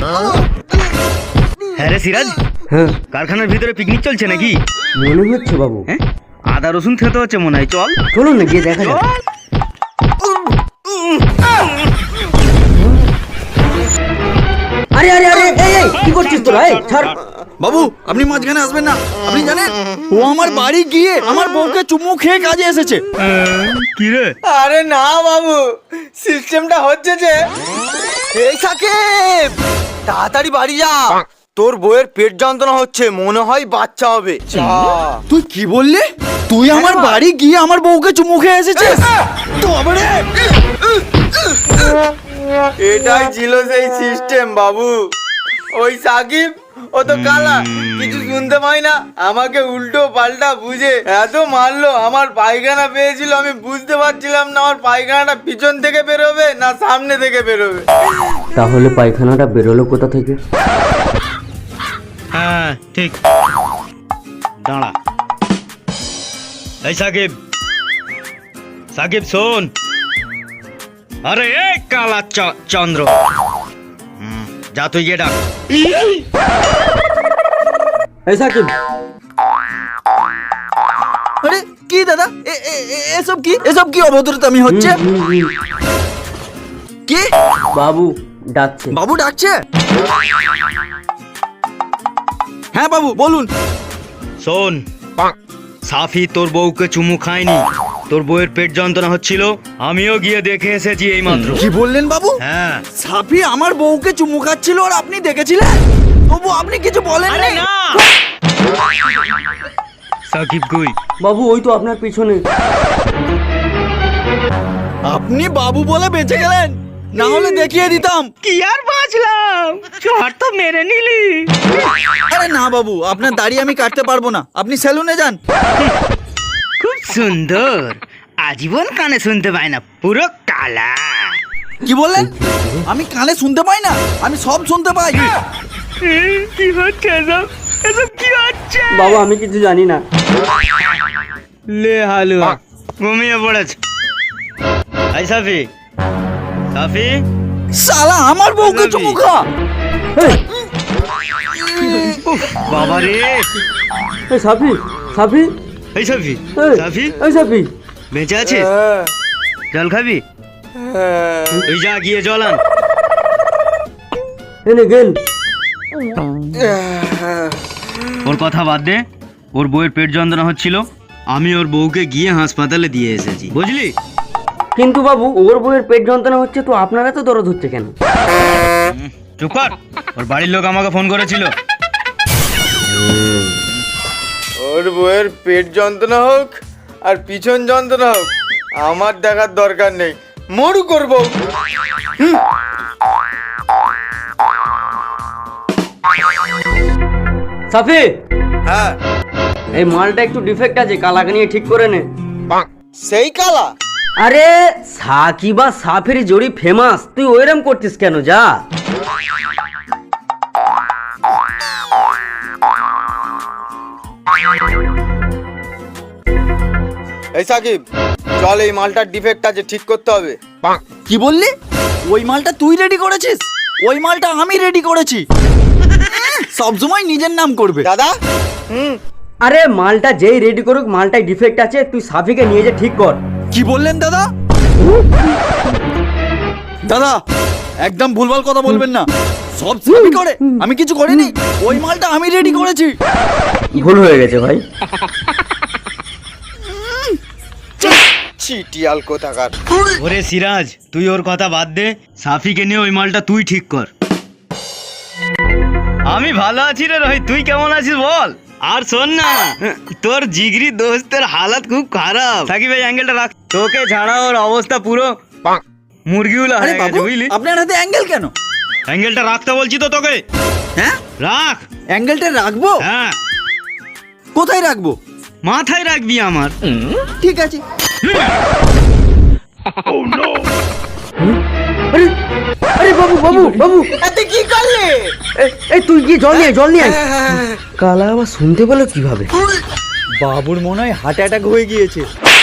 হ্যাঁ রে সিরাজ, হ্যাঁ কারখানার ভিতরে পিকনিক চলছে নাকি? মনে হচ্ছে বাবু। হ্যাঁ, আদা রসুন খেতে হচ্ছে মনে হয়, চল চলুন না গিয়ে দেখা যাক। আরে আরে আরে এই এই কি করছিস তোরা? এই ছাড় বাবু, আপনি মাঝখানে আসবেন না। আপনি জানেন ও আমার বাড়ি গিয়ে আমার বউকে চুমু খেয়ে কাজে এসেছে। কি রে? আরে না বাবু, সিস্টেমটা হচ্ছে যে এই সাকিব তাড়াতাড়ি বাড়ি যা, তোর বউয়ের পেট যন্ত্রণা হচ্ছে, মনে হয় বাচ্চা হবে। তুই কি বললি? তুই আমার বাড়ি গিয়ে আমার বউকে চুমু খেয়ে এসেছিস? এটাই ছিল সেই সিস্টেম বাবু। ওই সাকিব ও তো কালা, কিছু শুনতে পাই না, আমাকে উল্টো পাল্টা বুঝে এত মারলো। আমার পায়খানা পেয়েছিল, আমি বুঝতে পারছিলাম না আমার পায়খানাটা পিছন থেকে বেরোবে না সামনে থেকে বেরোবে। তাহলে পায়খানাটা বেরোলো কোথা থেকে? হ্যাঁ ঠিক, দাঁড়া। এই সাকিব, সাকিব শোন। আরে এই কালা চন্দ্র, যা তুই গিয়ে ডাক। এই সাকিব, আরে কি দাদা, এসব কি, এসব কি অভদ্রতামি হচ্ছে? কি বাবু ডাকছে। বাবু ডাকছে? হ্যাঁ বাবু বলুন। শোন, সাফি তোর বউকে চুমু খায়নি, তোর বউয়ের পেট যন্ত্রণা হচ্ছিল, আমিও গিয়ে দেখে এসেছি এই মাত্র। কি বললেন বাবু? হ্যাঁ। সাফি আমার বউকে চুমু খাচ্ছিল আর আপনি দেখেছিলেন? তবু আপনি কিছু বলেন আরে না? না, সাকিব কই? বাবু ওই তো আপনার পিছনে। আপনি বাবু বলে বেঁচে গেলেন, না হলে দেখিয়ে দিতাম। কি আর বাঁচলাম, চোর তো মেরে নিলি। আরে না বাবু, আপনার দাড়ি আমি কাটতে পারবো না, আপনি সেলুনে যান। খুব সুন্দর, আজীবন কানে শুনতে পায় না, পুরো কালা। কি বললেন? আমি কানে শুনতে পাই না? আমি সব শুনতে পাই। কি হচ্ছে এসব? এসব কি হচ্ছে? বাবু আমি কিছু জানি না। লে হালুয়া, ঘুমিয়ে পড়েছে। এই সাফি, সাফি, শালা আমার বউকে চুমু খা। এই, বাবা রে। এই সাফি, সাফি, এই সাফি, এই, সাফি এই সাফি। বেঁচে আছিস? জল খাবি? এই যা গিয়ে জল আন। এনে গেল। ওর কথা বাদ দে, ওর বউয়ের পেট যন্ত্রণা হচ্ছিল, আমি ওর বউকে গিয়ে হাসপাতালে দিয়ে এসেছি, বুঝলি? কিন্তু বাবু ওর বউয়ের পেট যন্ত্রণা হচ্ছে তো আপনারা তো দরদ হচ্ছে কেন? চুপ কর, ওর বাড়ির লোক আমাকে ফোন করেছিল। ওর বউয়ের পেট যন্ত্রণা হোক আর পিছন যন্ত্রণা হোক, আমার দেখার দরকার নেই, মরু করবো। সাফি, হ্যাঁ, এই মালটা একটু ডিফেক্ট আছে, কালাকে নিয়ে ঠিক করে নে। সেই কালা? আরে সাকিব আর সাফির জড়ি ফেমাস, তুই ওইরকম করছিস কেন? যা। এই সাকিব চল, এই মালটার ডিফেক্ট আছে, ঠিক করতে হবে। কি বললি? ওই মালটা তুই রেডি করেছিস? ওই মালটা আমি রেডি করেছি। সবসময় নিজের নাম করবে। দাদা, আরে মালটা যেই রেডি করুক, মালটাই ডিফেক্ট আছে, তুই সাফিকে নিয়ে যে ঠিক কর। কি বললেন দাদা? দাদা একদম ভুলভাল কথা বলবেন না, সব সাফি করে, আমি কিছু করিনি। ওই মালটা আমি রেডি করেছি। ভুল হয়ে গেছে ভাই। চিটিয়াল কোথাকার। ওরে সিরাজ, তুই ওর কথা বাদ দে, সাফিকে নিয়ে ওই মালটা তুই ঠিক কর। আমি ভালো আছি রে রোহিত, তুই কেমন আছিস বল? আর শোন না, তোর জিগরি দোস্তের হালত খুব খারাপ। সাকিব ভাই অ্যাঙ্গেলটা রাখ, তোকে ছাড়া ওর অবস্থা পুরো মুরগিগুলো আরে হয়ে বাবু, গেছে, বুঝলি? আপনার হাতে অ্যাঙ্গেল কেন? অ্যাঙ্গেলটা রাখতে বলছি তো তোকে। হ্যাঁ, রাখ। অ্যাঙ্গেলটা রাখবো? হ্যাঁ, কোথায় রাখবো? মাথায় রাখবি আমার। ঠিক আছে। আরে আরে বাবু বাবু বাবু, তুই কি করলে? এই তুই গিয়ে জল নিয়ে, জল নিয়ে আয়। কালা আবার শুনতে পেলো কিভাবে? বাবুর মনে হয় হার্ট অ্যাটাক হয়ে গিয়েছে।